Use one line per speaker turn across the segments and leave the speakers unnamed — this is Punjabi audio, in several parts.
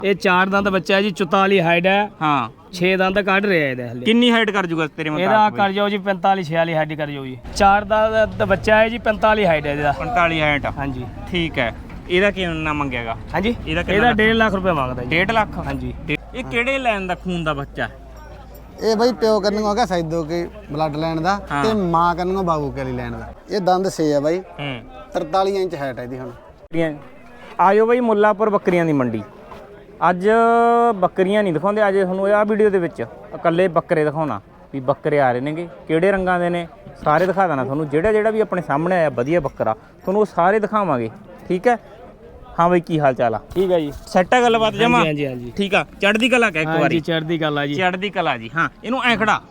ਇਹ 4 ਦੰਦ ਬੱਚਾ ਹੈ ਜੀ, 44 ਹਾਈਟ ਹੈ।
ਹਾਂ
6 ਦੰਦ ਕੱਢ ਰਿਹਾ ਇਹਦੇ ਹਲੇ।
ਕਿੰਨੀ ਹਾਈਟ ਕਰ ਜੂਗਾ ਤੇਰੇ ਮੁਤਾਬਕ?
ਇਹਦਾ ਕਰ ਜਾਓ ਜੀ 45 46 ਹਾਈਟ ਕਰ ਜਾਓ ਜੀ। 4 ਦਾ ਬੱਚਾ ਹੈ ਜੀ, 45 ਹਾਈਟ ਹੈ ਇਹਦਾ।
45 ਹਾਈਟ
ਹਾਂਜੀ
ਠੀਕ ਹੈ। ਇਹਦਾ ਕਿੰਨਾ ਮੰਗੇਗਾ?
ਹਾਂਜੀ
ਇਹਦਾ
ਇਹਦਾ 1.5 ਲੱਖ ਰੁਪਏ ਮੰਗਦਾ ਜੀ।
1.5 ਲੱਖ?
ਹਾਂਜੀ।
ਇਹ ਕਿਹੜੇ ਲੈਣ ਦਾ ਖੂਨ ਦਾ ਬੱਚਾ?
ਇਹ ਬਈ ਪਿਓ ਕੰਨੋਂ ਹੈਗਾ ਸੈਦੋ ਕੇ ਬਲੱਡ ਲੈਣ ਦਾ ਤੇ ਮਾਂ ਕੰਨੋਂ ਬਾਬੂ ਕੇ ਲਈ ਲੈਣ ਦਾ। ਇਹ ਦੰਦ 6 ਹੈ ਬਾਈ। 43 ਇੰਚ ਹਾਈਟ ਹੈ ਇਹਦੀ ਹੁਣ।
ਆਇਓ ਬਈ ਮੁੱਲਾਪੁਰ ਬੱਕਰੀਆਂ ਦੀ ਮੰਡੀ। ਅੱਜ ਬੱਕਰੀਆਂ ਨਹੀਂ ਦਿਖਾਉਂਦੇ, ਅੱਜ ਤੁਹਾਨੂੰ ਇਹ ਵੀਡੀਓ ਦੇ ਵਿੱਚ ਇਕੱਲੇ ਬੱਕਰੇ ਦਿਖਾਉਣਾ ਵੀ ਬੱਕਰੇ ਆ ਰਹੇ ਨੇਗੇ, ਕਿਹੜੇ ਰੰਗਾਂ ਦੇ ਨੇ ਸਾਰੇ ਦਿਖਾ ਦੇਣਾ ਤੁਹਾਨੂੰ। ਜਿਹੜਾ ਵੀ ਆਪਣੇ ਸਾਹਮਣੇ ਆਇਆ ਵਧੀਆ ਬੱਕਰਾ ਤੁਹਾਨੂੰ ਉਹ ਸਾਰੇ ਦਿਖਾਵਾਂਗੇ। ਠੀਕ ਹੈ। ਹਾਂ ਬਈ ਕੀ ਹਾਲ ਚਾਲ ਆ? ਠੀਕ ਹੈ ਜੀ। ਸੈੱਟ ਹੈ ਗੱਲਬਾਤ ਜਮਾ?
ਹਾਂਜੀ ਹਾਂਜੀ
ਠੀਕ ਆ। ਚੜ੍ਹਦੀ ਕਲਾ ਕਹਿ ਇੱਕ ਵਾਰੀ।
ਚੜ੍ਹਦੀ ਕਲਾ ਜੀ।
ਚੜ੍ਹਦੀ ਕਲਾ ਜੀ। ਹਾਂ ਇਹਨੂੰ ਐ ਖੜਾ।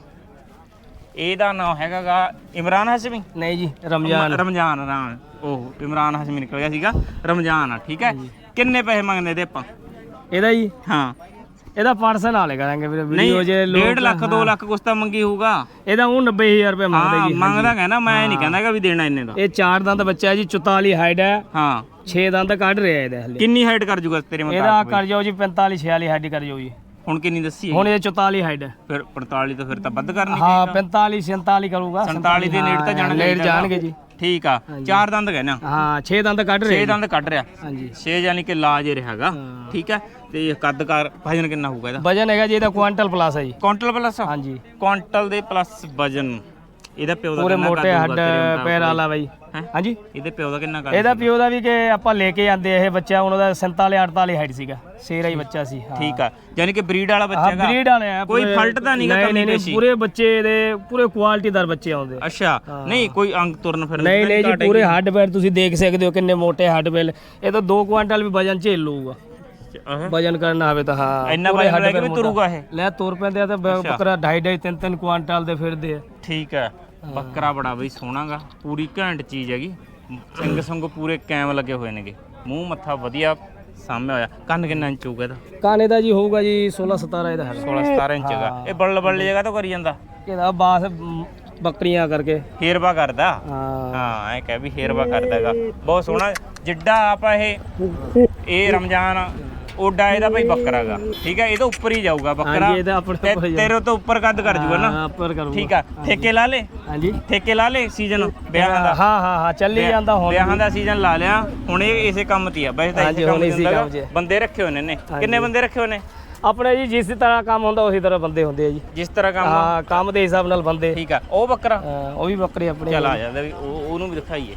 ਇਹਦਾ ਨਾਮ ਹੈਗਾਗਾ ਇਮਰਾਨ ਹਸ਼ਮੀ?
ਨਹੀਂ ਜੀ ਰਮਜ਼ਾਨ।
ਰਮਜ਼ਾਨ ਰਾਮ। ਉਹ ਇਮਰਾਨ ਹਸ਼ਮੀ ਨਿਕਲ ਗਿਆ ਸੀਗਾ, ਰਮਜ਼ਾਨ ਆ। ਠੀਕ ਹੈ। ਕਿੰਨੇ ਪੈਸੇ ਮੰਗਦੇ ਇਹਦੇ ਆਪਾਂ?
ਇਹਦਾ ਜੀ
ਹਾਂ
ਇਹਦਾ ਪਾਰਸਲ ਨਾਲੇ ਕਰਾਂਗੇ ਵੀਰੇ ਵੀਡੀਓ ਜੇ
1.5 ਲੱਖ 2 ਲੱਖ ਕੁਛ ਤਾਂ ਮੰਗੀ ਹੋਊਗਾ।
ਇਹਦਾ ਉਹ 90000 ਰੁਪਏ ਮੰਗਦਾ ਜੀ।
ਮੰਗਦਾ ਕਹਿੰਦਾ, ਮੈਂ ਨਹੀਂ ਕਹਿੰਦਾਗਾ ਵੀ ਦੇਣਾ ਇੰਨੇ ਦਾ।
ਇਹ 4 ਦੰਦ ਬੱਚਾ ਹੈ ਜੀ, 44 ਹਾਈਟ ਹੈ।
ਹਾਂ
6 ਦੰਦ ਕੱਢ ਰਿਹਾ ਇਹਦੇ ਹਲੇ।
ਕਿੰਨੀ ਹਾਈਟ ਕਰ ਜੂਗਾ ਤੇਰੇ ਮੁਤਾਬਕ?
ਇਹਦਾ ਕਰ ਜਾਓ ਜੀ 45 46 ਹਾਈਟ ਕਰ ਜਾਓ ਜੀ।
ਹੁਣ ਕਿੰਨੀ ਦੱਸੀ?
ਹੁਣ ਇਹ 44 ਹਾਈਟ ਹੈ।
ਫਿਰ 45 ਤੋਂ ਫਿਰ ਤਾਂ ਵੱਧ ਕਰਨੀ।
ਹਾਂ 45 47 ਕਰੂਗਾ।
47 ਦੇ ਨੇੜੇ ਤਾਂ
ਜਾਣਗੇ ਜੀ।
ਠੀਕ ਆ। 4 ਦੰਦ ਕਹਿਣਾ?
ਹਾਂ 6 ਦੰਦ ਕੱਢ ਰਿਹਾ।
6 ਦੰਦ ਕੱਢ ਰਿਹਾ।
ਹਾਂਜੀ
6 ਯਾਨੀ ਕਿ ਲਾਜ ਰਿਹਾਗਾ। ਠੀਕ ਹੈ। ਤੇ ਕੱਦ ਕਾਰ ਵਜਨ ਕਿੰਨਾ ਹੋਊਗਾ ਇਹਦਾ?
ਵਜਨ ਹੈਗਾ ਜੀ ਇਹਦਾ ਕੁਆਂਟਲ ਪਲੱਸ ਹੈ ਜੀ।
Quintal plus?
ਹਾਂਜੀ
ਕੁਆਂਟਲ ਦੇ ਪਲੱਸ ਵਜਨ। ਇਹਦਾ ਪਿਓ ਦਾ
ਪੂਰੇ
ਕਿੰਨਾ
ਮੋਟੇ ਹੱਡ ਪੈਰ ਵਾਲਾ ਬਾਈ। ਹਾਂਜੀ
ਇਹਦੇ ਪਿਓ ਦਾ ਕਿੰਨਾ ਕਰ?
ਇਹਦਾ ਪਿਓ ਦਾ ਵੀ ਕਿ ਆਪਾਂ ਲੈ ਕੇ ਆਂਦੇ ਇਹ ਬੱਚਾ ਉਹਨਾਂ ਦਾ 47 48 ਹਾਈਟ ਸੀਗਾ। ਸ਼ੇਰਾ ਹੀ ਬੱਚਾ ਸੀ।
ਠੀਕ ਆ। ਯਾਨੀ ਕਿ ਬਰੀਡ ਵਾਲਾ ਬੱਚਾ ਹੈਗਾ?
ਬਰੀਡ ਵਾਲੇ ਆ।
ਕੋਈ ਫਲਟ ਤਾਂ ਨਹੀਂਗਾ?
ਨਹੀਂ ਪੂਰੇ ਬੱਚੇ ਦੇ ਪੂਰੇ ਕੁਆਲਿਟੀਦਾਰ ਬੱਚੇ ਆਉਂਦੇ।
ਅੱਛਾ ਨਹੀਂ ਕੋਈ ਅੰਗ ਤੁਰਨ ਫਿਰਨ?
ਨਹੀਂ ਜੀ ਪੂਰੇ ਹੱਡ ਪੈਰ ਤੁਸੀਂ ਦੇਖ ਸਕਦੇ ਹੋ ਕਿੰਨੇ ਮੋਟੇ ਹੱਡ ਪੈਰ। ਇਹ ਤਾਂ 2 ਕੁਆਂਟਲ ਵੀ ਵਜਨ ਝੇਲ ਲੂਗਾ। ਵਜਨ ਕਰਨਾ ਹੋਵੇ ਤਾਂ। ਹਾਂ
ਇੰਨਾ ਵਜਨ ਲੈ ਕੇ ਵੀ ਤੁਰੂਗਾ ਇਹ?
ਲੈ ਤੁਰ ਪੈਂਦੇ ਆ ਤਾਂ ਬੱਕਰਾ 2.5 3 ਕੁਆਂਟਲ ਦੇ ਫਿਰਦੇ ਆ।
ਠੀਕ ਹੈ। ਬੱਕਰਾ ਬੜਾ ਬਈ ਸੋਹਣਾਗਾ, ਪੂਰੀ ਘੈਂਟ ਚੀਜ਼ ਹੈਗੀ। ਸਿੰਘ ਸੰਗ ਪੂਰੇ ਕੈਮ ਲੱਗੇ ਹੋਏ ਨੇਗੇ, ਮੂੰਹ ਮੱਥਾ ਵਧੀਆ ਸਾਹਮਣੇ ਹੋਇਆ। ਕੰਨ ਕਿੰਨਾ ਇੰਚ ਹੋਊਗਾ ਇਹਦਾ?
ਕੰਨ ਇਹਦਾ ਜੀ ਹੋਊਗਾ ਜੀ 16 17 ਇਹਦਾ ਹੈ।
16 17 ਇੰਚ ਹੈਗਾ। ਇਹ ਬੱਲੇ ਜਗ੍ਹਾ ਤੋਂ ਕਰੀ ਜਾਂਦਾ
ਇਹਦਾ ਬਾਸ ਬੱਕਰੀਆਂ ਕਰਕੇ
ਹੇਰਵਾ ਕਰਦਾ।
ਹਾਂ
ਹਾਂ ਐ ਕਹਿ ਵੀ ਹੇਰਵਾ ਕਰਦਾ ਹੈਗਾ। ਬਹੁਤ ਸੋਹਣਾ ਜਿੱਡਾ ਆਪਾਂ ਇਹ ਰਮਜ਼ਾਨ ਓਡਾ ਇਹਦਾ ਭਾਈ ਬੱਕਰਾ ਹੈਗਾ। ਠੀਕ ਹੈ। ਇਹਦੇ ਉੱਪਰ ਹੀ ਜਾਊਗਾ ਬੱਕਰਾ। ਤੇਰੇ ਤੋਂ ਉੱਪਰ ਕੱਦ ਕਰ ਜੂਗਾ ਨਾ?
ਉੱਪਰ ਕਰੂਗਾ।
ਠੀਕ ਆ। ਠੇਕੇ ਲਾ ਲੇ?
ਹਾਂਜੀ
ਠੇਕੇ ਲਾ ਲੇ ਸੀਜ਼ਨ ਵਿਆਹਾਂ ਦਾ?
ਹਾਂ ਚੱਲੀ ਜਾਂਦਾ ਹੁਣ।
ਵਿਆਹਾਂ ਦਾ ਸੀਜ਼ਨ ਲਾ ਲਿਆ ਹੁਣ। ਇਹ ਇਸੇ ਕੰਮ ਤੇ ਆ ਵੈਸੇ ਤਾਂ ਇਸੇ ਕੰਮ ਤੇ ਬੰਦੇ ਰੱਖੇ ਹੋਏ ਨੇ। ਕਿੰਨੇ ਬੰਦੇ ਰੱਖੇ ਹੋਏ ਨੇ
ਆਪਣੇ ਜੀ? ਜਿਸ ਤਰ੍ਹਾਂ ਕੰਮ ਹੁੰਦਾ ਉਸੇ ਤਰ੍ਹਾਂ ਬੰਦੇ ਹੁੰਦੇ ਆ ਜੀ।
ਜਿਸ ਤਰ੍ਹਾਂ ਕੰਮ?
ਹਾਂ ਕੰਮ ਦੇ ਹਿਸਾਬ ਨਾਲ ਬੰਦੇ।
ਠੀਕ ਆ। ਉਹ ਬੱਕਰਾ
ਉਹ ਵੀ ਬੱਕਰੀ ਆਪਣੀ।
ਚੱਲ ਆ ਜਾਂਦਾ ਵੀ ਉਹਨੂੰ ਵੀ ਦਿਖਾਈਏ।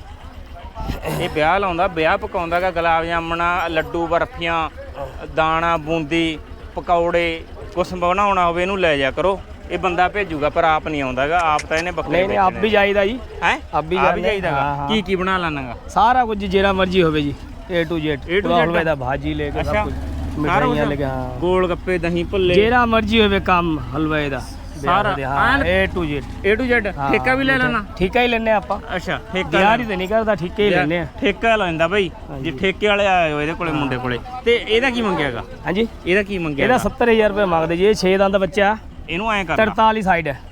ਇਹ ਵਿਆਹ ਲਾਉਂਦਾ, ਵਿਆਹ ਪਕਾਉਂਦਾਗਾ। ਗੁਲਾਬ ਜਾਮਣਾ, ਲੱਡੂ, ਬਰਫੀਆਂ, ਦਾਣਾ, ਬੂੰਦੀ, ਪਕੌੜੇ ਕੁਛ ਬਣਾਉਣਾ ਹੋਵੇ ਇਹਨੂੰ ਲੈ ਜਾ ਕਰੋ। ਇਹ ਬੰਦਾ ਭੇਜੂਗਾ ਪਰ ਆਪ ਨਹੀਂ ਆਉਂਦਾਗਾ। ਆਪ ਤਾਂ ਇਹਨੇ ਬੱਕਰੇ
ਨਹੀਂ ਆਪ ਵੀ ਜਾਈਦਾ ਜੀ।
ਹੈ
ਆਪ ਵੀ
ਜਾਈਦਾਗਾ। ਕੀ ਬਣਾ ਲੈਣਾਗਾ?
ਸਾਰਾ ਕੁਝ ਜਿਹੜਾ ਮਰਜ਼ੀ ਹੋਵੇ ਜੀ। A to Z ਹਲਵੇ ਦਾ ਭਾਜੀ ਲੈ ਕੇ ਸਭ ਕੁਝ, ਮਿਠਾਈਆਂ ਲੈ ਕੇ। ਹਾਂ
ਗੋਲ ਗੱਪੇ, ਦਹੀਂ ਭੱਲੇ,
ਜਿਹੜਾ ਮਰਜ਼ੀ ਹੋਵੇ ਕੰਮ ਹਲਵੇ ਦਾ ਸਾਰਾ। ਹਾਂ A to Z।
ਠੇਕਾ ਵੀ ਲੈ ਲੈਣਾ?
ਠੇਕਾ ਹੀ ਲੈਣੇ ਆਪਾਂ।
ਅੱਛਾ ਠੇਕਾ
ਦਿਹਾੜੀ ਤੇ ਨਹੀਂ ਕਰਦਾ, ਠੇਕੇ ਹੀ ਲੈਣੇ ਆ।
ਠੇਕਾ ਲੈਂਦਾ ਬਾਈ ਜੇ ਠੇਕੇ ਵਾਲੇ ਆਏ ਹੋ ਇਹਦੇ ਕੋਲੇ ਮੁੰਡੇ ਕੋਲੇ। ਤੇ ਇਹਦਾ ਕੀ ਮੰਗਿਆਗਾ?
ਹਾਂਜੀ
ਇਹਦਾ ਕੀ ਮੰਗਿਆ?
ਇਹਦਾ 70000 ਰੁਪਏ ਮੰਗਦੇ ਜੀ। ਇਹ 6 ਦੰਦ ਬੱਚਾ।
ਇਹਨੂੰ ਐਂ ਕਰ
43 ਸਾਈਡ ਹੈ।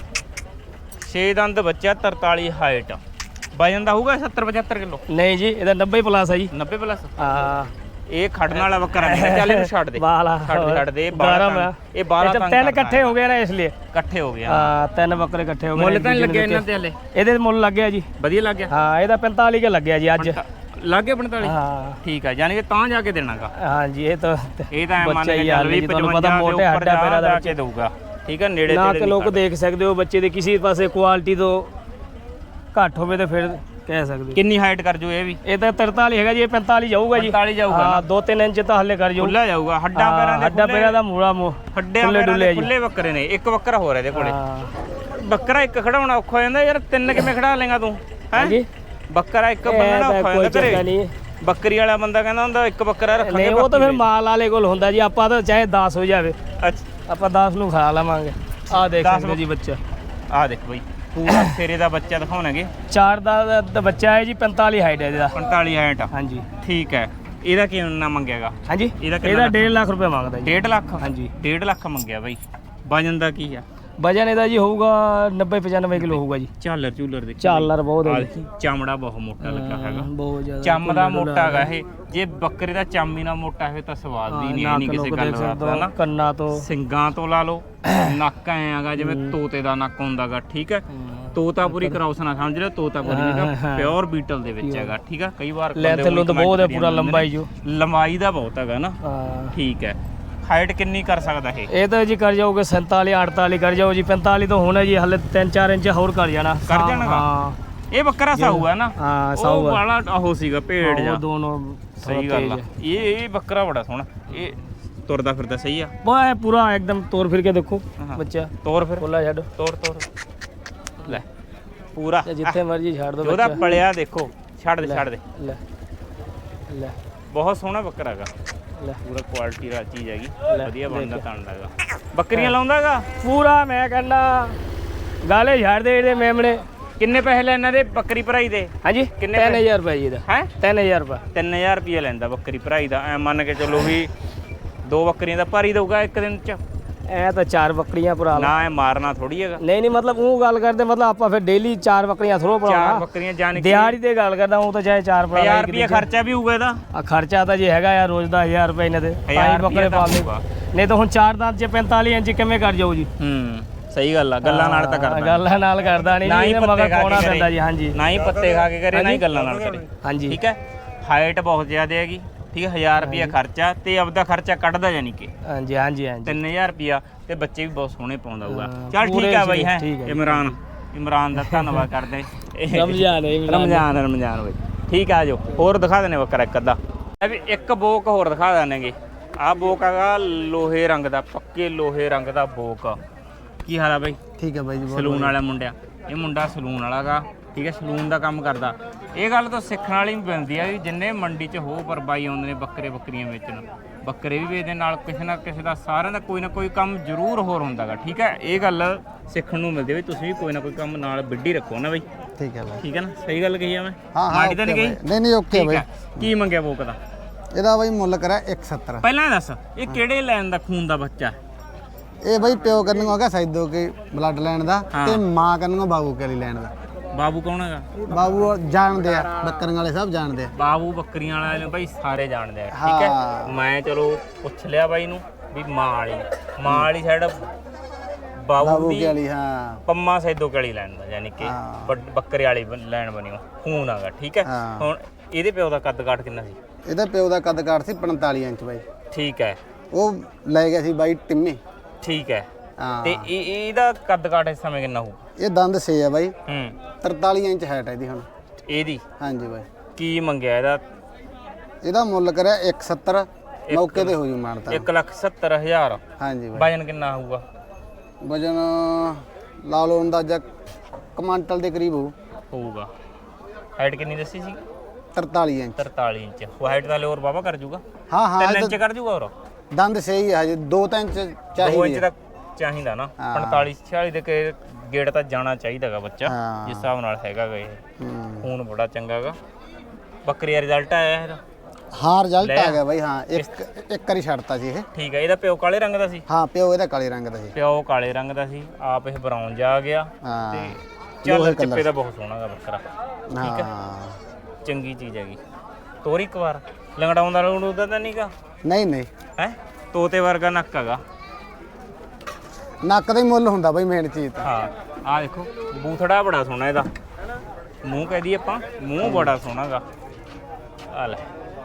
6 ਦੰਦ ਬੱਚਾ 43 ਹਾਈਟ। ਵਜਨ ਦਾ ਹੋਊਗਾ 70 75 ਕਿਲੋ?
ਨਹੀਂ ਜੀ ਇਹਦਾ 90 ਪਲੱਸ ਹੈ ਜੀ।
90 ਪਲੱਸ?
ਹਾਂ
ਇਹ ਖੜਨ ਵਾਲਾ ਬੱਕਰਾ ਨਹੀਂ। ਚੱਲ ਇਹਨੂੰ ਛੱਡ ਦੇ। ਛੱਡ ਦੇ। ਇਹ 12
ਤਿੰਨ ਇਕੱਠੇ ਹੋ ਗਏ ਨਾ ਇਸ ਲਈ
ਇਕੱਠੇ ਹੋ ਗਏ।
ਹਾਂ 3 ਬੱਕਰੇ ਇਕੱਠੇ ਹੋ ਗਏ।
ਮੁੱਲ ਤਾਂ ਨਹੀਂ ਲੱਗਿਆ ਇਹਨਾਂ ਤੇ ਹਲੇ?
ਇਹਦੇ ਮੁੱਲ ਲੱਗਿਆ ਜੀ।
ਵਧੀਆ ਲੱਗਿਆ?
ਹਾਂ ਇਹਦਾ 45 ਕੇ ਲੱਗਿਆ ਜੀ ਅੱਜ।
ਲੱਗ ਗਿਆ 45?
ਹਾਂ
ਠੀਕ ਆ। ਯਾਨੀ ਕਿ ਤਾਂ ਜਾ ਕੇ ਦੇਣਾਗਾ।
ਹਾਂਜੀ ਇਹ ਤਾਂ
ਮੰਨ ਕੇ ਚੱਲ ਵੀ 55 ਮੋਟੇ ਹੱਡਾਂ ਪੈਰਾਂ ਦਾ ਬੱਚੇ ਦਊਗਾ। ਠੀਕ ਆ। ਨੇੜੇ
ਨਾ ਕਿ ਲੋਕ ਦੇਖ ਸਕਦੇ ਹੋ ਬੱਚੇ ਦੇ ਕਿਸੇ ਪਾਸੇ ਕੁਆਲਿਟੀ ਤੋਂ ਘੱਟ ਹੋਵੇ ਤਾਂ ਫਿਰ ਕਹਿ ਸਕਦੇ।
ਕਿੰਨੀ ਹਾਈਟ ਕਰ ਜੂ ਇਹ ਵੀ?
ਇਹ ਤਾਂ 43 ਹੈਗਾ ਜੀ। ਇਹ 45 ਜਾਊਗਾ ਜੀ।
45 ਜਾਊਗਾ।
ਹਾਂ 2-3 ਇੰਚ ਤਾਂ ਹੱਲੇ ਕਰ ਜਾਊ।
ਖੁੱਲਾ ਜਾਊਗਾ। ਹੱਡਾਂ ਪੈਰਾਂ
ਦਾ ਮੂੜਾ
ਖੁੱਲੇ ਬੱਕਰੇ ਨੇ। ਇੱਕ ਬੱਕਰਾ ਹੋਰ ਇਹਦੇ ਕੋਲੇ। ਬੱਕਰਾ ਇੱਕ ਖੜਾਉਣਾ ਔਖਾ ਹੋ ਜਾਂਦਾ ਯਾਰ। 3 ਕਿਵੇਂ ਖੜਾ ਲੇਗਾ ਤੂੰ? ਹੈ ਜੀ ਬੱਕਰਾ ਇੱਕ ਬੰਨਣਾ ਔਖਾ ਹੋ ਜਾਂਦਾ ਘਰੇ। ਬੱਕਰੀ ਵਾਲਾ ਬੰਦਾ ਕਹਿੰਦਾ ਹੁੰਦਾ ਇੱਕ ਬੱਕਰਾ ਰੱਖਾਂਗੇ।
ਨਹੀਂ ਉਹ ਤਾਂ ਫਿਰ ਮਾਲ ਵਾਲੇ ਕੋਲ ਹੁੰਦਾ ਜੀ। ਆਪਾਂ ਤਾਂ ਚਾਹੇ 10 ਹੋ ਜਾਵੇ।
ਅੱਛਾ
ਆਪਾਂ 10 ਨੂੰ ਖਾ ਲਵਾਂਗੇ। ਆਹ ਦੇਖ ਸਕਦੇ ਜੀ ਬੱਚਾ।
ਆਹ ਦੇਖ ਬਈ ਪੂਰਾ ਫੇਰੇ ਦਾ ਬੱਚਾ ਦਿਖਾਉਣਗੇ।
4 ਦਾ ਬੱਚਾ ਹੈ ਜੀ। 45 ਹਾਈਟ ਹੈ ਇਹਦਾ।
45 ਹਾਈਟ?
ਹਾਂਜੀ
ਠੀਕ ਹੈ। ਇਹਦਾ ਕਿੰਨਾ ਮੰਗਿਆਗਾ?
ਹਾਂਜੀ ਇਹਦਾ 1.5 ਲੱਖ ਰੁਪਏ ਮੰਗਦਾ ਜੀ।
1.5 ਲੱਖ?
ਹਾਂਜੀ
1.5 ਲੱਖ ਮੰਗਿਆ ਬਈ। ਵਜਨ ਦਾ ਕੀ ਆ?
ਵਜਨ ਇਹਦਾ ਜੀ ਹੋਊਗਾ 90-95 ਕਿਲੋ ਹੋਊਗਾ ਜੀ।
ਝਾਲਰ ਝੂਲਰ ਦੇ
ਝਾਲਰ ਬਹੁਤ ਹੈ
ਦੇਖੀ ਚਮੜਾ ਬਹੁਤ ਮੋਟਾ ਲੱਗਾ ਹੈਗਾ,
ਬਹੁਤ ਜ਼ਿਆਦਾ
ਚੰਮ ਦਾ ਮੋਟਾ ਹੈਗਾ ਇਹ। ਜੇ ਬੱਕਰੇ ਦਾ ਚੰਮ ਹੀ ਨਾ ਮੋਟਾ ਹੋਵੇ ਤਾਂ ਸਵਾਦ ਵੀ ਨਹੀਂ, ਇਹ ਨਹੀਂ ਕਿਸੇ ਗੱਲ ਦਾ ਨਾ।
ਕੰਨਾਂ ਤੋਂ
ਸਿੰਗਾਂ ਤੋਂ ਲਾ ਲਓ, ਨੱਕ ਐ ਹੈਗਾ ਜਿਵੇਂ ਤੋਤੇ ਦਾ ਨੱਕ ਹੁੰਦਾਗਾ, ਠੀਕ ਹੈ। ਤੋਤਾਪੁਰੀ ਕਰਾਉਸ ਨਾ ਸਮਝ ਲਿਓ, ਤੋਤਾਪੁਰੀ ਹੈਗਾ ਪਿਓਰ ਬੀਟਲ ਦੇ ਵਿੱਚ ਹੈਗਾ, ਠੀਕ ਹੈ। ਕਈ ਵਾਰ
ਲੈਂਥ ਲੁੰਥ ਬਹੁਤ ਹੈ, ਪੂਰਾ ਲੰਬਾਈ ਜੋ
ਲੰਬਾਈ ਦਾ ਬਹੁਤ ਹੈਗਾ ਨਾ,
ਹਾਂ
ਠੀਕ ਹੈ। ਹਾਈਟ ਕਿੰਨੀ ਕਰ ਸਕਦਾ ਇਹ
ਤਾਂ ਜੀ ਕਰ ਜਾਓਗੇ 47 48 ਕਰ ਜਾਓ ਜੀ, 45 ਤਾਂ ਹੋਣਾ ਜੀ, ਹਲੇ 3-4 ਇੰਚ ਹੋਰ ਕਰ ਜਾਣਾ।
ਕਰ ਜਾਣਾ
ਹਾਂ
ਇਹ ਬੱਕਰਾ ਸਾਊ ਹੈ ਨਾ,
ਹਾਂ ਸਾਊ
ਉਹ ਵਾਲਾ ਉਹ ਸੀਗਾ ਭੇਡ ਜਾ,
ਦੋਨੋਂ
ਸਹੀ ਗੱਲ ਆ। ਇਹ ਬੱਕਰਾ ਬੜਾ ਸੋਹਣਾ, ਇਹ ਤੁਰਦਾ ਫਿਰਦਾ ਸਹੀ ਆ,
ਵਾਹ ਪੂਰਾ ਇੱਕਦਮ ਤੋਰ ਫਿਰ ਕੇ ਦੇਖੋ ਬੱਚਾ,
ਤੋਰ ਫਿਰ
ਬੋਲਾ ਛੱਡ,
ਤੋਰ ਲੈ ਪੂਰਾ
ਜਿੱਥੇ ਮਰਜੀ ਛੱਡ ਦੋ
ਉਹਦਾ ਪਲਿਆ ਦੇਖੋ, ਛੱਡ ਦੇ ਛੱਡ ਦੇ,
ਲੈ ਲੈ
ਬਹੁਤ ਸੋਹਣਾ ਬੱਕਰਾ ਹੈਗਾ,
ਲੈ
ਪੂਰਾ ਕੁਆਲਿਟੀ ਦਾ ਚੀਜ਼ ਹੈਗੀ, ਵਧੀਆ ਬਣਦਾ ਤਣਦਾ ਹੈਗਾ। ਬੱਕਰੀਆਂ ਲਾਉਂਦਾਗਾ
ਪੂਰਾ, ਮੈਂ ਕਹਿੰਦਾ ਗਾਲੇ ਛੱਡ ਦੇ ਇਹਦੇ ਮੇਮਣੇ।
ਕਿੰਨੇ ਪੈਸੇ ਲੈ ਇਹਨਾਂ ਦੇ ਬੱਕਰੀ ਭਰਾਈ ਦੇ?
ਹਾਂਜੀ
ਕਿੰਨੇ
3000 ਰੁਪਏ ਜੀ ਇਹਦਾ
ਹੈ
3000 ਰੁਪਏ
3000 ਰੁਪਏ ਲੈਂਦਾ ਬੱਕਰੀ ਭਰਾਈ ਦਾ। ਐ ਮੰਨ ਕੇ ਚੱਲੋ ਵੀ 2 ਬੱਕਰੀਆਂ ਦਾ ਭਰ ਹੀ ਦਊਗਾ ਇੱਕ ਦਿਨ ਚ।
ਐ ਤਾਂ 4 ਬੱਕਰੀਆਂ ਭਰਾ
ਨਾ ਇਹ ਮਾਰਨਾ ਥੋੜੀ ਹੈਗਾ,
ਨਹੀਂ ਮਤਲਬ ਉਹ ਗੱਲ ਕਰਦੇ, ਮਤਲਬ ਆਪਾਂ ਫਿਰ ਡੇਲੀ 4 ਬੱਕਰੀਆਂ ਥਰੋ
4
ਭਰਾਉਣਾ,
ਬੱਕਰੀਆਂ ਜਾਨ
ਦਿਹਾੜੀ ਤੇ ਗੱਲ ਕਰਦਾ, ਉਹ ਤਾਂ ਚਾਹੇ 4 ਭਰਾ
1000 ਰੁਪਏ ਖਰਚਾ ਵੀ ਹੋਊਗਾ ਇਹਦਾ।
ਆ ਖਰਚਾ ਤਾਂ ਜੀ ਹੈਗਾ ਯਾਰ ਰੋਜ਼ ਦਾ 1000 ਰੁਪਏ ਇਹਨਾਂ ਦੇ, ਤਾਂ ਹੀ ਬੱਕਰੇ ਪਾਲਦੇ, ਨਹੀਂ ਤਾਂ ਹੁਣ 4 ਦੰਦ ਚ 45 ਇੰਚ ਕਿਵੇਂ ਕਰ ਜਾਊ ਜੀ।
ਸਹੀ ਗੱਲ ਆ, ਗੱਲਾਂ ਨਾਲ ਤਾਂ ਕਰਦਾ,
ਗੱਲਾਂ ਨਾਲ ਕਰਦਾ ਨਹੀਂ, ਇਹਨੇ ਮਗਰ ਪਾਉਣਾ ਪੈਂਦਾ ਜੀ। ਹਾਂਜੀ
ਨਾ ਹੀ ਪੱਤੇ ਖਾ ਕੇ ਕਰੇ, ਨਾ ਹੀ ਗੱਲਾਂ ਨਾਲ ਕਰੇ,
ਹਾਂਜੀ
ਠੀਕ ਹੈ। ਹਾਈਟ ਬਹੁਤ ਜ਼ਿਆਦਾ ਹੈਗੀ, ਠੀਕ ਹੈ। 1000 ਰੁਪਏ ਖਰਚਾ ਤੇ ਆਪਦਾ ਖਰਚਾ ਕੱਢਦਾ ਜਾਨੀ ਕਿ
ਹਾਂਜੀ ਹਾਂਜੀ ਹਾਂਜੀ
3000 ਰੁਪਿਆ, ਤੇ ਬੱਚੇ ਵੀ ਬਹੁਤ ਸੋਹਣੇ ਪਾਉਂਦਾ ਹੋਊਗਾ। ਚੱਲ ਠੀਕ ਆ ਬਾਈ, ਹੈ ਇਮਰਾਨ ਦਾ ਧੰਨਵਾਦ ਕਰਦੇ। ਰਮਜ਼ਾਨ ਬਾਈ, ਠੀਕ ਆ। ਜੋ ਹੋਰ ਦਿਖਾ ਦੇਣੇ ਬੱਕਰਾ ਇੱਕ ਅੱਧਾ, ਵੀ ਇੱਕ ਬੋਕ ਹੋਰ ਦਿਖਾ ਦੇਣਗੇ। ਆਹ ਬੋਕ ਹੈਗਾ ਲੋਹੇ ਰੰਗ ਦਾ, ਪੱਕੇ ਲੋਹੇ ਰੰਗ ਦਾ ਬੋਕ। ਕੀ ਹਾਲ ਆ ਬਾਈ?
ਠੀਕ ਹੈ ਬਾਈ ਜੀ।
ਸਲੂਨ ਵਾਲਾ ਮੁੰਡਿਆ, ਇਹ ਮੁੰਡਾ ਸਲੂਨ ਵਾਲਾ ਗਾ, ਠੀਕ ਹੈ, ਸਲੂਨ ਦਾ ਕੰਮ ਕਰਦਾ। ਇਹ ਗੱਲ ਤਾਂ ਸਿੱਖਣ ਵਾਲੀ ਵੀ ਪੈਂਦੀ ਆ ਵੀ ਜਿੰਨੇ ਮੰਡੀ 'ਚ ਹੋ ਪਰ ਬਾਈ ਆਉਂਦੇ ਨੇ ਬੱਕਰੀਆਂ ਵੇਚਣ, ਬੱਕਰੇ ਵੀ ਵੇਚਦੇ ਨਾਲ, ਕਿਸੇ ਨਾ ਕਿਸੇ ਦਾ ਸਾਰਿਆਂ ਦਾ ਕੋਈ ਨਾ ਕੋਈ ਕੰਮ ਜ਼ਰੂਰ ਹੋਰ ਹੁੰਦਾ ਗਾ, ਠੀਕ ਹੈ। ਇਹ ਗੱਲ ਸਿੱਖਣ ਨੂੰ ਮਿਲਦੀ ਵੀ ਤੁਸੀਂ ਵੀ ਕੋਈ ਨਾ ਕੋਈ ਕੰਮ ਨਾਲ ਵਿੱਢੀ ਰੱਖੋ ਨਾ ਬਾਈ,
ਠੀਕ ਹੈ ਬਾਈ,
ਠੀਕ ਹੈ ਨਾ। ਸਹੀ ਗੱਲ ਕਹੀ ਆ ਮੈਂ?
ਹਾਂ
ਮਾੜੀ ਤਾਂ ਨਹੀਂ ਗਈ?
ਨਹੀਂ ਓਕੇ ਬਾਈ।
ਕੀ ਮੰਗਿਆ ਬੋਕ ਦਾ?
ਇਹਦਾ ਬਾਈ ਮੁੱਲ ਕਰਿਆ 170।
ਪਹਿਲਾਂ ਇਹ ਦੱਸ, ਇਹ ਕਿਹੜੇ ਲੈਣ ਦਾ ਖੂਨ ਦਾ ਬੱਚਾ?
ਇਹ ਬਾਈ ਪਿਓ ਕਰਨੋਂ ਹੈਗਾ ਸੈਦੋ ਕੇ ਬਲੱਡ ਲੈਣ ਦਾ, ਤੇ ਮਾਂ ਕਰਨੋਂ ਬਾਬੂ ਕੇ ਲਈ ਲੈਣ ਦਾ।
ਬਾਬੂ ਕੌਣ ਹੈਗਾ?
ਬਾਬੂ ਜਾਣਦੇ ਆ, ਬੱਕਰੀਆਂ ਵਾਲੇ ਸਭ ਜਾਣਦੇ ਆ।
ਬਾਬੂ ਬੱਕਰੀਆਂ ਵਾਲੇ ਨੂੰ ਭਾਈ ਸਾਰੇ ਜਾਣਦੇ ਆ, ਠੀਕ ਹੈ। ਮੈਂ ਚਲੋ ਪੁੱਛ ਲਿਆ ਬਾਈ ਨੂੰ ਵੀ ਮਾਂ ਵਾਲੀ ਸਾਈਡ ਬਾਬੂ ਦੀ
ਵਾਲੀ, ਹਾਂ
ਪੰਮਾ ਸੈਦੋ ਕਲੀ ਲੈਣ ਦਾ, ਯਾਨੀ ਕਿ ਬੱਕਰੇ ਵਾਲੀ ਲੈਣ ਬਣੀ ਖੂਨ ਆਗਾ, ਠੀਕ ਹੈ। ਹੁਣ ਇਹਦੇ ਪਿਓ ਦਾ ਕੱਦ ਕਾਠ ਕਿੰਨਾ ਸੀ?
ਇਹਦਾ ਪਿਓ ਦਾ ਕੱਦ ਕਾਠ ਸੀ 45 ਇੰਚ ਬਾਈ,
ਠੀਕ ਹੈ।
ਉਹ ਲੈ ਗਿਆ ਸੀ ਬਾਈ ਟਿੰਮੀ,
ਠੀਕ ਹੈ।
ਹਾਂ
ਤੇ ਇਹਦਾ ਕੱਦ ਕਾਠ ਇਸ ਸਮੇਂ ਕਿੰਨਾ ਹੋਊ?
ਇਹ ਦੰਦ 6 ਆ ਬਾਈ, 43 ਇੰਚ ਹਾਈਟ ਹੈ ਇਹਦੀ ਹੁਣ।
ਇਹਦੀ
ਹਾਂਜੀ ਬਾਈ।
ਕੀ ਮੰਗਿਆ ਇਹਦਾ?
ਇਹਦਾ ਮੁੱਲ ਕਰਿਆ 170, ਮੌਕੇ ਤੇ ਹੋ ਜੂ ਮਾਨਤਾ।
1,70,000।
ਹਾਂਜੀ ਬਾਈ।
ਵਜਨ ਕਿੰਨਾ ਹੋਊਗਾ?
ਵਜਨ ਲਾ ਲਓ ਅੰਦਾਜ਼ਾ ਕੁਆਂਟਲ ਦੇ ਕਰੀਬ
ਹੋਊਗਾ। ਹਾਈਟ ਕਿੰਨੀ ਦੱਸੀ ਸੀ?
43 ਇੰਚ।
43 ਇੰਚ। ਹਾਈਟ ਦਾ ਹੋਰ ਬਾਬਾ ਕਰ ਜੂਗਾ?
ਹਾਂ
3 ਇੰਚ ਕਰ ਜੂਗਾ ਹੋਰ?
ਦੰਦ ਸਹੀ ਹੈ ਹਜੇ, 2-3 ਇੰਚ ਚਾਹੀਦੀ
2 ਇੰਚ ਦਾ ਚਾਹੀਦਾ ਨਾ। 45-46 ਦੇ ਗੇੜ ਤਾਂ ਜਾਣਾ ਚਾਹੀਦਾਗਾ ਬੱਚਾ, ਜਿਸ ਹਿਸਾਬ ਨਾਲ ਹੈਗਾਗਾ। ਇਹ ਖੂਨ ਬੜਾ ਚੰਗਾਗਾ। ਬੱਕਰੀ ਦਾ ਰਿਜ਼ਲਟ ਆਇਆ ਇਹਦਾ?
ਹਾਂ ਰਿਜ਼ਲਟ ਆ ਗਿਆ ਬਾਈ, ਹਾਂ ਇੱਕ ਵਾਰੀ ਛੱਡਤਾ ਸੀ ਇਹ।
ਠੀਕ ਹੈ। ਇਹਦਾ ਪਿਓ ਕਾਲੇ ਰੰਗ ਦਾ ਸੀ?
ਹਾਂ ਪਿਓ ਇਹਦਾ ਕਾਲੇ ਰੰਗ ਦਾ ਸੀ।
ਪਿਓ ਕਾਲੇ ਰੰਗ ਦਾ ਸੀ, ਆਪ ਇਹ ਬਰਾਊਨ ਜਾ ਆ ਗਿਆ। ਤੇ ਚੱਲ ਚਿੱਪੇ ਦਾ ਬਹੁਤ ਸੋਹਣਾ ਗਾ ਬੱਕਰਾ, ਠੀਕ ਹੈ, ਚੰਗੀ ਚੀਜ਼ ਹੈਗੀ। ਤੋਰੀ ਇੱਕ ਵਾਰ ਲੰਗੜਾਉਂਦਾ ਲੰਗੜੂਦਾ ਤਾਂ ਨਹੀਂਗਾ?
ਨਹੀਂ
ਹੈ ਤੋਤੇ ਵਰਗਾ ਨੱਕ ਹੈਗਾ,
ਨੱਕ ਦਾ ਹੀ ਮੁੱਲ ਹੁੰਦਾ ਬਾਈ ਮੇਨ ਚੀਜ਼ ਤਾਂ।
ਹਾਂ ਆਹ ਦੇਖੋ ਬੂਥੜਾ ਬੜਾ ਸੋਹਣਾ ਇਹਦਾ, ਮੂੰਹ ਕਹਿ ਦਈਏ ਆਪਾਂ, ਮੂੰਹ ਬੜਾ ਸੋਹਣਾ ਗਾ। ਆ ਲੈ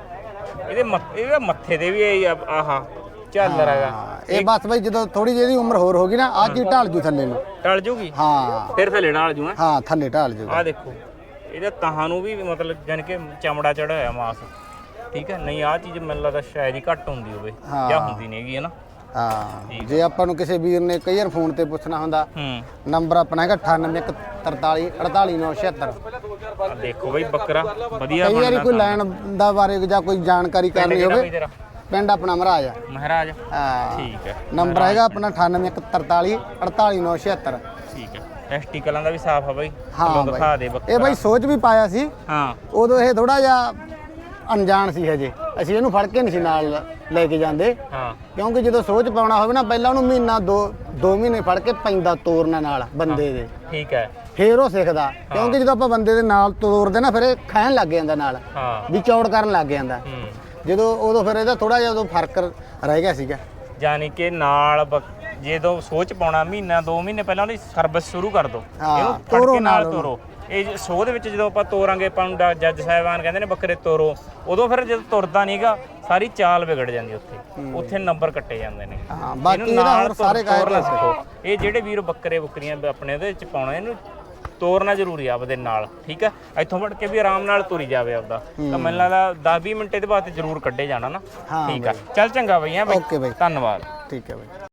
ਇਹਦੇ ਮੱਥੇ ਤੇ ਵੀ ਆਹਾ ਝਾਲਰ ਹੈਗਾ।
ਇਹ ਬਸ ਬਾਈ ਜਦੋਂ ਥੋੜੀ ਜਿਹੀ ਉਮਰ ਹੋਰ ਹੋ ਗਈ ਨਾ, ਅੱਜ ਹੀ ਢਾਲ ਜੂ ਥੱਲੇ ਨੂੰ।
ਢਲ ਜੂਗੀ?
ਹਾਂ
ਫਿਰ ਥੱਲੇ ਢਾਲ ਜੂ।
ਹਾਂ ਥੱਲੇ ਢਾਲ ਜੂ।
ਆਹ ਦੇਖੋ ਇਹਦੇ ਤਾਹਾਂ ਨੂੰ ਵੀ ਮਤਲਬ ਜਾਨ ਕਿ ਚਮੜਾ ਚੜਿਆ ਹੋਇਆ ਮਾਸ, ਠੀਕ ਹੈ। ਨਹੀਂ ਆਹ ਚੀਜ਼ ਮੈਨੂੰ ਲੱਗਦਾ ਸ਼ਾਇਦ ਹੀ ਘੱਟ ਹੁੰਦੀ ਹੋਵੇ, ਜਾਂ ਹੁੰਦੀ ਨਹੀਂ ਹੈਗੀ, ਹੈ ਨਾ।
ਹਾਂ ਜੇ ਆਪਾਂ ਨੂੰ ਕਿਸੇ ਵੀਰ ਨੇ ਕਈ ਵਾਰ ਫੋਨ ਤੇ ਪੁੱਛਣਾ ਹੁੰਦਾ, ਨੰਬਰ ਆਪਣਾ ਹੈਗਾ 9843 48976।
ਦੇਖੋ ਬਈ ਬੱਕਰਾ ਵਧੀਆ
ਕਈ ਵਾਰੀ ਕੋਈ ਲੈਣ ਦਾ ਬਾਰੇ ਜਾਂ ਕੋਈ ਜਾਣਕਾਰੀ ਕਰਨੀ ਹੋਵੇ, ਪਿੰਡ ਆਪਣਾ ਮਹਾਰਾਜ
ਹਾਂ ਠੀਕ ਹੈ।
ਨੰਬਰ ਹੈਗਾ ਆਪਣਾ 9843 48976।
ਠੀਕ ਹੈ। ਟੈਸਟੀਕਲਾਂ ਦਾ ਵੀ ਸਾਫ ਆ ਬਈ,
ਹਾਂ
ਦਿਖਾ ਦੇ ਬੱਕਰਾ।
ਇਹ ਬਈ ਸੋਚ ਵੀ ਪਾਇਆ ਸੀ,
ਹਾਂ
ਉਦੋਂ ਇਹ ਥੋੜਾ ਜਿਹਾ ਅਣਜਾਣ ਸੀ ਹਜੇ, ਅਸੀਂ ਇਹਨੂੰ ਫੜ ਕੇ ਨਹੀਂ ਸੀ ਨਾਲ ਲੈ ਕੇ ਜਾਂਦੇ।
ਹਾਂ
ਕਿਉਂਕਿ ਜਦੋਂ ਸੋਚ ਪਾਉਣਾ ਹੋਵੇ ਨਾ ਪਹਿਲਾਂ ਉਹਨੂੰ ਮਹੀਨਾ ਦੋ ਮਹੀਨੇ ਫੜ ਕੇ ਪੈਂਦਾ ਤੋਰਨਾ ਨਾਲ ਬੰਦੇ ਦੇ,
ਠੀਕ ਹੈ।
ਫੇਰ ਉਹ ਸਿੱਖਦਾ। ਕਿਉਂਕਿ ਜਦੋਂ ਆਪਾਂ ਬੰਦੇ ਦੇ ਨਾਲ ਤੋਰਦੇ ਨਾ ਫਿਰ ਇਹ ਖਾਣ ਲੱਗ ਜਾਂਦਾ ਨਾਲ,
ਹਾਂ
ਵੀ ਚੌੜ ਕਰਨ ਲੱਗ ਜਾਂਦਾ। ਜਦੋਂ ਉਦੋਂ ਫਿਰ ਇਹਦਾ ਥੋੜਾ ਜਿਹਾ ਉਦੋਂ ਫਰਕ ਰਹਿ ਗਿਆ ਸੀਗਾ।
ਯਾਨੀ ਕਿ ਨਾਲ ਜਦੋਂ ਸੋਚ ਪਾਉਣਾ ਮਹੀਨਾ 2 ਮਹੀਨੇ ਪਹਿਲਾਂ ਉਹਦੀ ਸਰਵਿਸ ਸ਼ੁਰੂ ਕਰ ਦੋ, ਇਹਨੂੰ ਫੜ ਕੇ ਨਾਲ ਤੋਰੋ। ਇਹ ਸ਼ੋਅ ਦੇ ਵਿੱਚ ਜਦੋਂ ਆਪਾਂ ਤੋਰਾਂਗੇ ਆਪਾਂ ਨੂੰ ਜੱਜ ਸਾਹਿਬਾਨ ਕਹਿੰਦੇ ਨੇ ਬੱਕਰੇ ਤੋਰੋ, ਉਦੋਂ ਫਿਰ ਜਦੋਂ ਤੁਰਦਾ ਨਹੀਂਗਾ ਸਾਰੀ ਚਾਲ ਵਿਗੜ ਜਾਂਦੀ, ਉੱਥੇ ਨੰਬਰ ਕੱਟੇ ਜਾਂਦੇ ਨੇ।
ਹਾਂ ਬਾਕੀ ਇਹਦਾ ਹੋਰ ਸਾਰੇ ਕਾਇਰ
ਸਿੱਖੋ। ਇਹ ਜਿਹੜੇ ਵੀਰ ਬੱਕਰੇ ਬੁੱਕਰੀਆਂ ਆਪਣੇ ਉਹਦੇ ਵਿੱਚ ਪਾਉਣਾ, ਇਹਨੂੰ ਤੋਰਨਾ ਜ਼ਰੂਰੀ ਆ ਆਪਦੇ ਨਾਲ, ਠੀਕ ਹੈ। ਇੱਥੋਂ ਫੜ ਕੇ ਵੀ ਆਰਾਮ ਨਾਲ ਤੁਰੀ ਜਾਵੇ ਆਪਦਾ, ਤਾਂ ਮੈਨੂੰ ਲੱਗਦਾ 10-20 ਮਿੰਟ ਇਹਦੇ ਬਾਅਦ ਜ਼ਰੂਰ ਕੱਢੇ ਜਾਣਾ ਨਾ। ਠੀਕ ਆ, ਚੱਲ ਚੰਗਾ ਬਈ। ਹਾਂ ਬਈ,
ਓਕੇ ਬਈ,
ਧੰਨਵਾਦ।
ਠੀਕ ਹੈ ਬਈ।